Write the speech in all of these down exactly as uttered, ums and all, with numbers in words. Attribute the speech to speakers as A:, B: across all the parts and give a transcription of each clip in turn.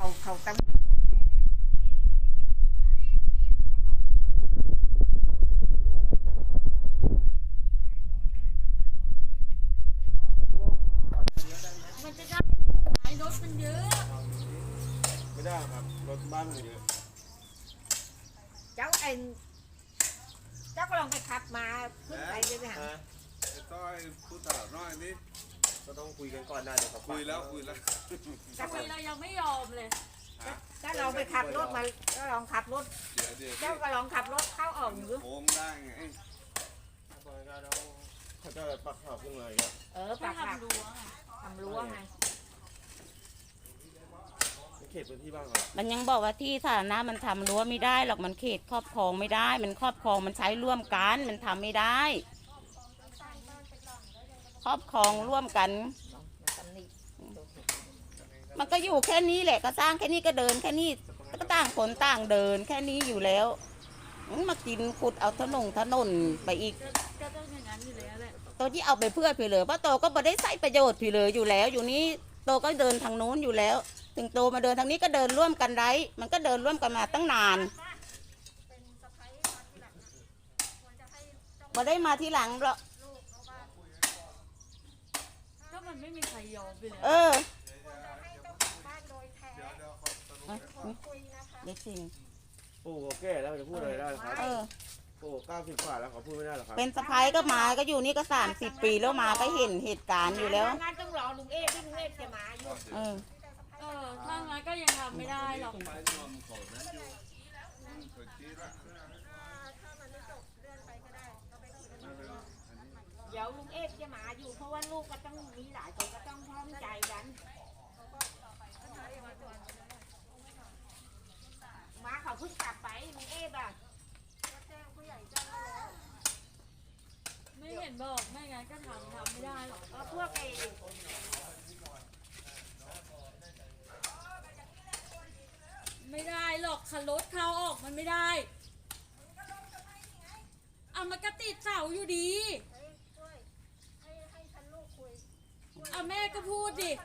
A: เขาตั้ง
B: มันจะได้ไหมรถมันเยอะ
C: ไม่ได้ครับรถบ้านมันเยอะ
A: เจ้าเอ็นเจ้าก็ลองไปขับมาขึ้นไปเลยนะ
D: ต้อยพูดตลอดน้อยนี่
C: ก็ต้องคุยกันก่อนได้เลยครับ
D: คุยแล้วคุยแล้ว
B: คุยเรายังไม่ยอมเลย
A: ถ้าเราไปขับรถมาก็ลองขับรถเจ้าก็ลองขับรถเข้าออกอยู่
D: โค้งได้ไง
C: เขาจะปักขาพุ่งเลยครับ
A: เออปักขา
B: ทำรั้ว
A: ทำรั้วไง
C: เขตพื้นที่บ้างเหรอ
E: มันยังบอกว่าที่สาธารณะมันทำรั้วไม่ได้หรอกมันเขตครอบครองไม่ได้มันครอบครองมันใช้ร่วมกันมันทำไม่ได้ครอบครองร่วมกันมันก็อยู่แค่นี้แหละก็สร้างแค่นี้ก็เดินแค่นี้ก็ต่างคนต่างเดินแค่นี้อยู่แล้วมากินขุดเอาถนนถนนไปอีก
B: ก็ต้องอย่างนั้นอยู่แล้วแหละ
E: ตัวที่เอาไปเพื่อพี่เลยเพราะโตก็ไม่ได้ใช้ประโยชน์พี่เลยอยู่แล้วอยู่นี้โตก็เดินทางโน้นอยู่แล้วถึงโตมาเดินทางนี้ก็เดินร่วมกันได้มันก็เดินร่วมกันมาตั้งนานมาได้มาที่หลังหรอก
B: ก็มันไม่มีใครยอมไปเลย
E: เออเด็กจริง
C: ปู่ก็แก่แล้วจะพูดอะไรได้ครับปู่เก้าสิบกว่าแล้วเขาพูดไม่ได้หรอครับ
E: เป็นสะพ้ายก็มาก็อยู่นี่ก็สามสิบปีแล้วมาก็เห็นเหตุการณ์อยู่แล้ว
A: งั้นต้องรอลุงเอ๊ที่ลุงเอ๊จะมาอยู่
E: เออ
B: เออถ้างั้นก็ยังทำไม่ได้หรอก
A: เดี๋ยวลุงเอ๊จะมาอยู่เพราะว่าลูกก็ต้องมีหลายคนก็ต้องพร้อมใจกันมาเขาเพิ่งกลับไปลุงเอ๊บ่ะ
B: ไม่เห็นบอกไม่งั้นก็ทำทำไม่ได้หรอก
A: เออพวกไอ้
B: ไม่ได้หรอกคันรถเข้าออกมันไม่ได้เอามันก็ติดเสาอยู่ดีเอาแม่ก็พูดดิ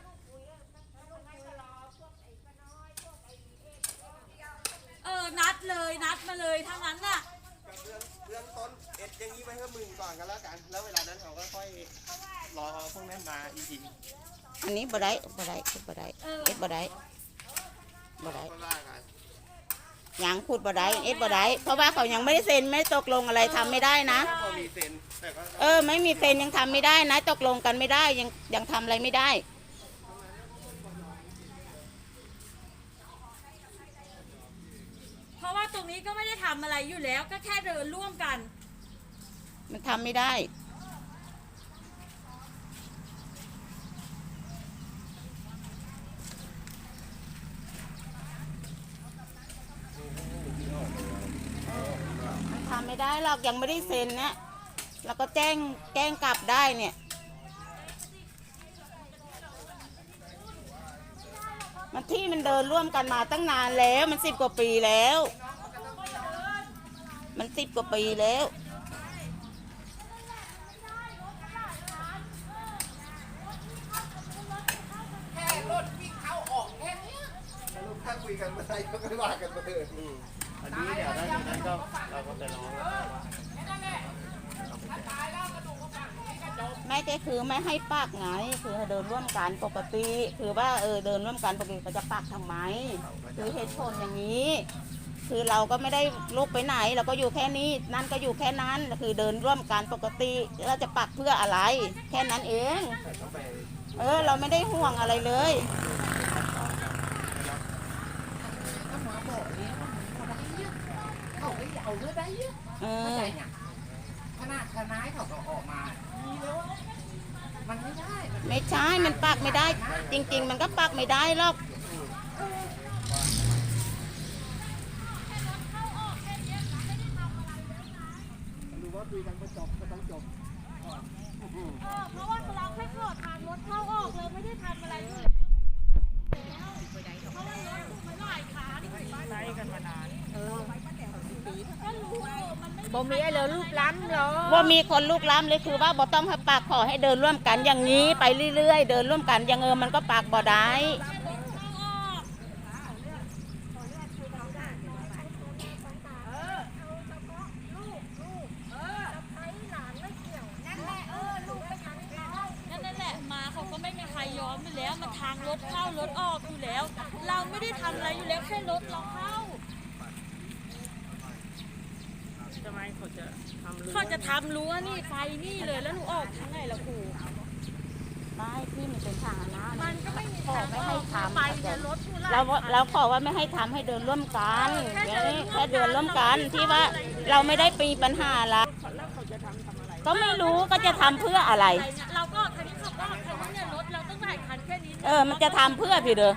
B: เออนัดเลยนัดมาเลยทั้งนั้นน่ะ
C: เรื่องต้นเอ็ดอย่างนี้ไว้ให้มึงก่อนกันแล้วกันแล้วเวลานั้นเขาก็ค่อยรอพวกนั้นมาอีกที
E: อันนี้บ่ได้บ่ได้บ่ได้เอ็ดบ่ได้บ่ได้ยังพูดบ่ได้เอ็ดบ่ได้เพราะว่าเขายังไม่ได้เซ็นไม่ตกลงอะไรทำไม่ได้นะเออไม่มีเซ็นยังทำไม่ได้นะตกลงกันไม่ได้ยังยังทำอะไรไม่ได้
B: เพราะว่าตรงนี้ก็ไม่ได้ทำอะไรอยู่แล้วก็แค่เดินร่วมกัน
E: มันทำไม่ได้มันทำไม่ได้หรอกยังไม่ได้เซ็นนะแล้วก็แจ้งแจ้งกลับได้เนี่ยมันที่มันเดินร่วมกันมาตั้งนานแล้วมันสิบกว่าปีแล้วมันสิบกว่าปีแล้ว
C: แค่รถวิ่งเข้าออกแค่นี้ลูกถ้าคุยกันไม่ได้ก็ไม่ว่ากันไปเลยอันนี้เดี๋ยวได้นั้นก็เราก็ไปร้อง
E: ไม่ก็คือไม่ให้ปักไงคือเดินร่วมกันปกติคือว่าเออเดินร่วมกันปกติเขาจะปักทำไมคือเหตุผลอย่างนี้คือเราก็ไม่ได้ลุกไปไหนเราก็อยู่แค่นี้นั่นก็อยู่แค่นั้นคือเดินร่วมกันปกติเราจะปักเพื่ออะไรแค่นั้นเองเออเราไม่ได้ห่วงอะไรเลย
A: เอาเลือดได้เยอะเข้าใจเนี่ยขนาดทนายเขาก็ออกมาดีแล้วมันไม่ได้
E: ไม่ใช่มันปักไม่ได้จริงๆมันก็ปักไม่ได้หรอก
C: ดูว่าคุยกันก็จบก็ต้องจบ
B: เพราะว่าเราแค่ขอทางรถเข้าออกเลยไม่ได้ทำอะไรเลยเพราะว่ารถมันหลายขาที่ไปกันมานานเออก็รู้
A: บ่มีไอ้เหลือลูกล้ำเหรอ
E: บ่มีคนลูกล้ำเลยคือว่าบ่ต้องให้ปากขอให้เดินร่วมกันอย่างนี้ไปเรื่อยๆเดินร่วมกันอย่างเออมันก็ปากบ่ได้
B: อมอยู่แล้วมันทางรถเข้ารถออกอยู่แล้ว เราไม่ได้ทำอะไรอยู่แล้วแค่รถเราเข้า
F: ทำไมเขาจะทำรั้ว
B: เขาจะทำรั้วนี่ไฟนี่เลยแล้วหนูออกทางไหนล่ะครู
E: ไม่ที่มันเป็นทางนะ
B: มันก็ไม่มี
E: ขอ
B: ทาง
E: ไม่
B: อ
E: ให้
B: อก
E: ทำ
B: ไปเนี่ยรถทุเรศ
E: เราเราขอว่าไม่ให้ทำให้เดินร่วมกันแค่แค่เดินร่วมกันที่ว่าเราไม่ได้ปีปัญหาละ
F: แล้วเขาจะทำทำอะไร
E: ก็ไม่รู้ก็จะทำเพื่ออะไร
B: เราก็คันนี้ขับก็คันนี้เนี่ยรถเราต้องหลายคันแค่นี้
E: เออมันจะทำเพื่อพี่เด้อ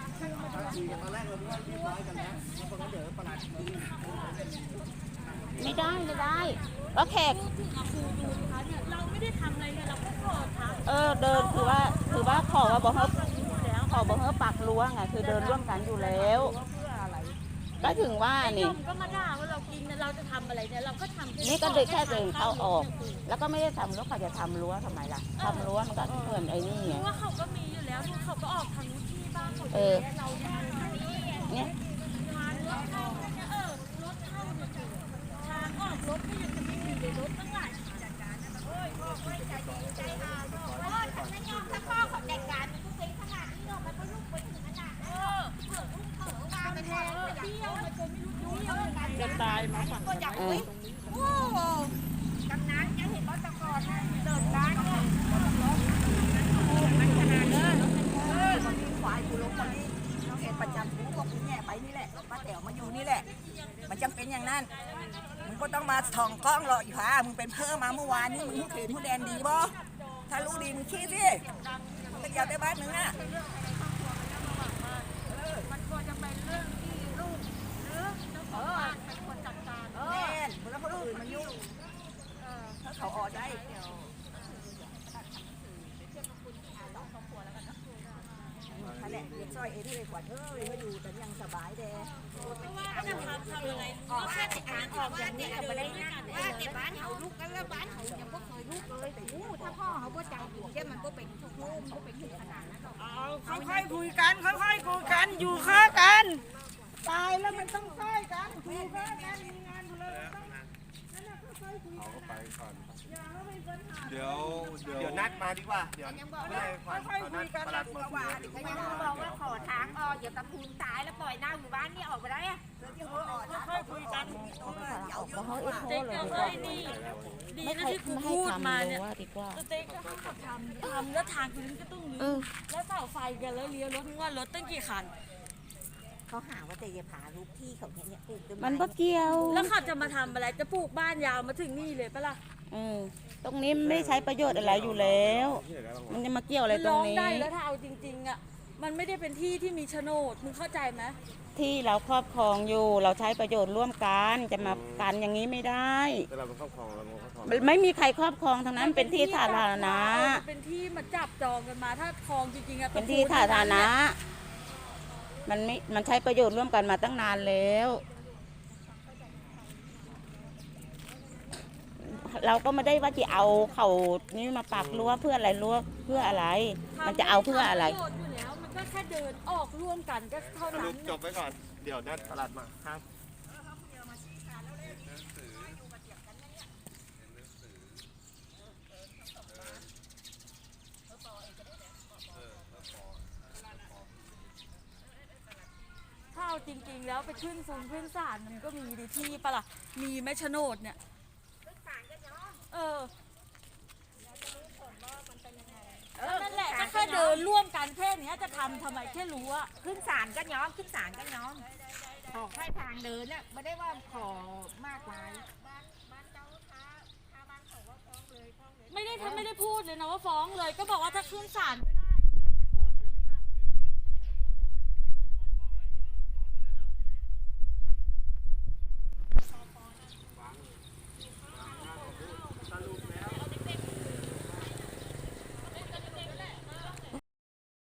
E: ไม่ได้ไม่ได้ก็แขก
B: พูดถึงอะครูดูนะคะเนี่ยเราไม่ได้ทำอะไรเนี่ยเราก็ขอทำ
E: เออเดินคือว่าคือว่าขอว่าบอกเขาขอบอกเขาปักรั้วไงคือเดินร่วมกันอยู่แล้ว
F: เพื่ออะไร
E: ก็ถึงว่า
B: ไอ้
E: นี่
B: ยมก็มาด่าว่าเรากินเนี่ยเราจะทำอะไรเนี่ยเราก็ทำ
E: นี่ก็เดินแค่เดินเข้าออก แล้วก็ไม่ได้ทำรั้วเขาจะทำรั้วทำไมล่ะทำรั้วมันก็เหมือนไอ้นี่
B: เพ
E: ไง
B: ราะว่าเขาก็มีอยู่แล้วดูเขาก็ออกทางนู้นที่บ้านเขา
E: เออ
B: เราทางนี้
E: เนี่ย
B: ทางรถเข้าเนี่ยเออรถเข้าเนี่ยคือทางออกรถก็ยังจะไม่มีเลยรถตั้งหลายคันจัดการนะโอ้ยพ่อไม่ใจดีใจอาโอ้ยฉันไม่ยอมถ้าพ่อเขาจัดการมันก็เป็นขนาดนี้หรอกมันก็ลุกไปถึงขนาดนั้นเออเผื่อลุกเถอะวางไปแทนเที่ยวมันจะไม่รู้เที่ยวยังไง
F: จะตายมาฝั่ง
B: ก็อยากเฮ้ยโอ้โหกำนันยังเห็นรถตะกอนนะเดินร้านเนี่ยมันขนาดเลยเออ
G: ควายกูลงคนนี้น้องเห็นประจำกูก็กูแง่ไปนี่แหละป้าแต๋วมาอยู่นี่แหละ มันจำเป็นอย่างนั้นมึงก็ต้องมาส่องกล้องหรอกอีห่ามึงเป็นเพิ่มมาเมื่อวานนี้มึงเห็นผู้แดนดีบ่ถ้ารู้ดีมึงคิดสิมึงก็อยากได้บ้านมึงอ่ะ
B: มันควรจะเป็นเรื่องที่ลูกหรือเจ้าของบ้านเป็นคนจัดการ
G: แม่นแล้วคนอื่นมันยุ่งถ้าเขาออกได้นั่นแหละเด็กซอยเอ็นเลยขวัญเอ้ยมาอยู่แต่ยังสบายแด
B: ก็จะทำทำยังไงก็แค่ติดอ่านออกอย่างนี้ไม่ได้นั่นว่าแต่บ้านเขาลูกกันแล้วบ้านเขายังไม่เคยลูกเลยแต่อู้ถ้าพ่อเขาก็จังหัวแค่มันก็เป็นทุกโลมก็เป็นถึงขนาดนั้นหรอก
F: เอาค่อยๆคุยกันค่อยๆคุยกันอยู่ข้างกัน ตายแล้วมันต้องค่อยกันคุยข้างกันมีงานอยู่เลยมันต้องนั่นแหละค่อยๆคุย
D: เอา
F: กัน
D: ก็ไปก่อน
F: อย่าให้มีปัญหา
D: เดี๋ยว เดี๋ยว
C: เดี๋ยวนัดมาดีกว่า เดี๋ยวไม่ให้ควัน
F: ค่อยๆ
C: เขา
F: คุ
C: นัด
F: ยกัน
C: ประหลัดมาคุย
G: เขายัง
B: บอกว่าขอทางออกอย่าตะพูนตายแล้วปล่อยหน้าอยู่บ้านนี่ออกไปได้อะ
F: ค่อยๆคุยกัน
E: ออกมาเขาเอ็กโค
B: เจ๊
E: เลย
B: ก็
E: ดีก
B: เฮ้
E: ว่าย
B: นี่ดี
E: ไม่
B: นะ
E: ให้
B: ที่กู
E: ไม่ให้
B: พูด
E: ทำ
B: มา
E: รั้
B: เนี่ยว
E: ดีกว่า
B: เจ๊ก็ให้เขาทำทำแล้วทางคืนก็ต้อง
E: เอ
B: ลื้อ
E: อ
B: แล้วเสาไฟกันแล้วเลี้ยวรถว่ารถตั้งกี่คัน
G: เขาหาว่าแต่จะผาลูกที่เขาเนี่ยปลูกต้นไ
E: มันบ่เกี่ยว
B: แล้วเขาจะมาทำอะไรจะปลูกบ้านยาวมาถึงนี่เลยปะล่ะ
E: เออตรงนี้ไม่ใช้ประโยชน์อะไรอยู่แล้ว มันจะมาเกี่ยวอะไรตร
B: ร้
E: ง
B: อง
E: นี้
B: ได้แล้วถ้าเอาจริงๆอ่ะมันไม่ได้เป็นที่ที่มีโฉนดมึงเข้าใจไหม
E: ที่เราครอบครองอยู่ เราใช้ประโยชน์ร่วมกันจะมากันอย่างนี้ไม่ได้
C: แต่เราเป็นครอบครองเราเป็นครอบครอง
E: ไม่มีใครครอบครองทั้งนั้นเป็นที่สาธารณะ
B: มันเป็นที่มาจับจองกันมาถ้าคลองจริงๆอะ
E: เป็นที่สาธารณะมันไม่มันใช้ประโยชน์ร่วมกันมาตั้งนานแล้ว เราก็ไม่ได้ว่าจะเอาเขานี่มาปักรั้วเพื่ออะไรรั้วเพื่ออะไร มันจะเอาเพื่ออะไร
B: ทำปโยชน์อยู่แล้วมันก็แค่เดินออกร่วมกันก็เท่า
C: ส
B: นั้
C: รุ
B: น
C: ปจบไว้ก่อน เดี๋ยวนัดประหลัดมาครับ
B: ถ้าเอาจริงๆแล้วไปขึ้นฟูนขึ้นศาลมันก็มีดีที่ปะล่ะมีไหมโฉนดเนี่ยเออนั่นแหละก็แค่เดินร่วมกันแค่เนี้ยจะทำทำไมแค่รู้ว่า
G: ขึ้นศาลก็ย้อมขึ้นศาลก็ย้อมขอแค่ทางเดินน่ะไม่ได้ว่าขอมากมาย
B: ไม่ได้ทำไม่ได้พูดเลยนะว่าฟ้องเลยก็บอกว่าถ้าขึ้นศาลก็ได้